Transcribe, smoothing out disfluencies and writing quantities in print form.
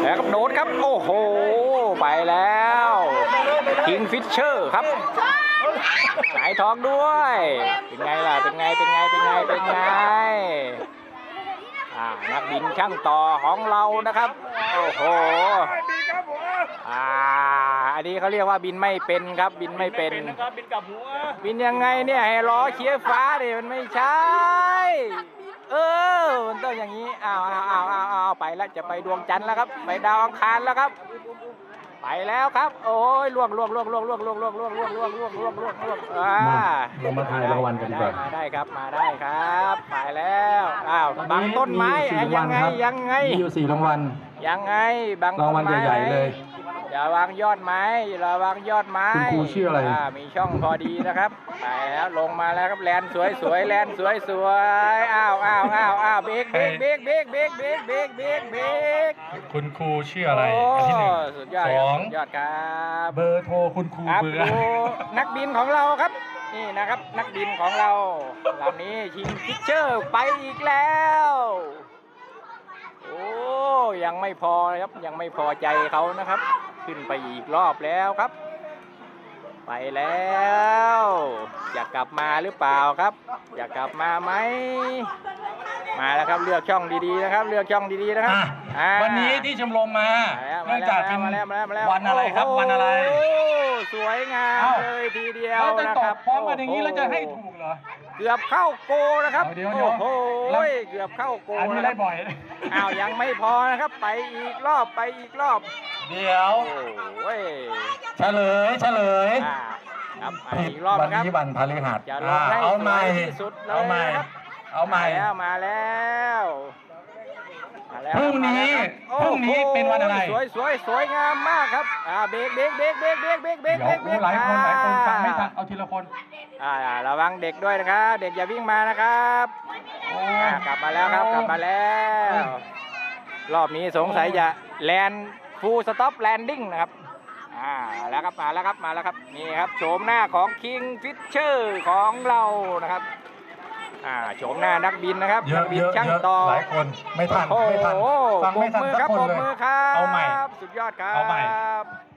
แล้วก็โดดครับโอ้โหไปแล้วคิงฟิชเชอร์ครับหงายท้องด้วยเป็นไงล่ะเป็นไงนักบินช่างต่อของเรานะครับโอ้โหอันนี้เขาเรียกว่าบินไม่เป็นครับบินไม่เป็นบินกับหัวบินยังไงเนี่ยให้ล้อเคี้ยวฟ้าดิมันไม่ใช่มันต้องอย่างนี้เอาไปแล้วจะไปดวงจันทร์แล้วครับไปดาวอังคารแล้วครับไปแล้วครับโอ้ยล่วงเรามาถ่ายรางวัลกันดีกว่ามาได้ครับมาได้ครับไปแล้วบางต้นไม้ยังไงมีอยู่4 รางวัลยังไงบางรางวัลใหญ่ๆเลยอย่าวางยอดไม้คุณครูชื่ออะไรมีช่องพอดีนะครับไปแล้วลงมาแล้วครับแลนสวยแลนสวยอ้าวเบรกคุณครูชื่ออะไรอันที่1 สุดยอดครับเบอร์โทรคุณครูเบอร์นักบินของเราครับนี่นะครับนักบินของเราลำนี้คิงฟิชเชอร์ไปอีกแล้วโอ้ยังไม่พอครับยังไม่พอใจเขานะครับขึ้นไปอีกรอบแล้วครับไปแล้วอยากกลับมาหรือเปล่าครับอยากกลับมาไหมมาแล้วครับเลือกช่องดีๆนะครับเลือกช่องดีๆนะครับวันนี้ที่ชมรมมาเนื่องจากเป็นวันอะไรครับวันอะไรสวยงามเลยทีเดียวนะครับพร้อมกันอย่างนี้เราจะให้ถูกเหรอเกือบเข้าโกนะครับโอ้โหเกือบเข้าโกอันนี้ได้บ่อยยังไม่พอนะครับไปอีกรอบเดี๋ยวเฉลยครับอีกรอบวันนะครับนี้วันพฤหัสเอาใหม่ที่สุดเลยมาแล้วพรุ่งนี้เป็นวันอะไรสวยงามมากครับเบรกหลายคนฟังไม่ทันเอาทีละคนระวังเด็กด้วยนะครับเด็กอย่าวิ่งมานะครับกลับมาแล้วครับรอบนี้สงสัยจะแลนฟูลสต็อปแลนดิ้งนะครับมาแล้วครับนี่ครับโฉมหน้าของคิงฟิชเชอร์ของเรานะครับโฉมหน้านักบินนะครับนักบินช่างต่อหลายคนไม่ทันฟังไม่ทันสักคนเลยเอาใหม่สุดยอดครับ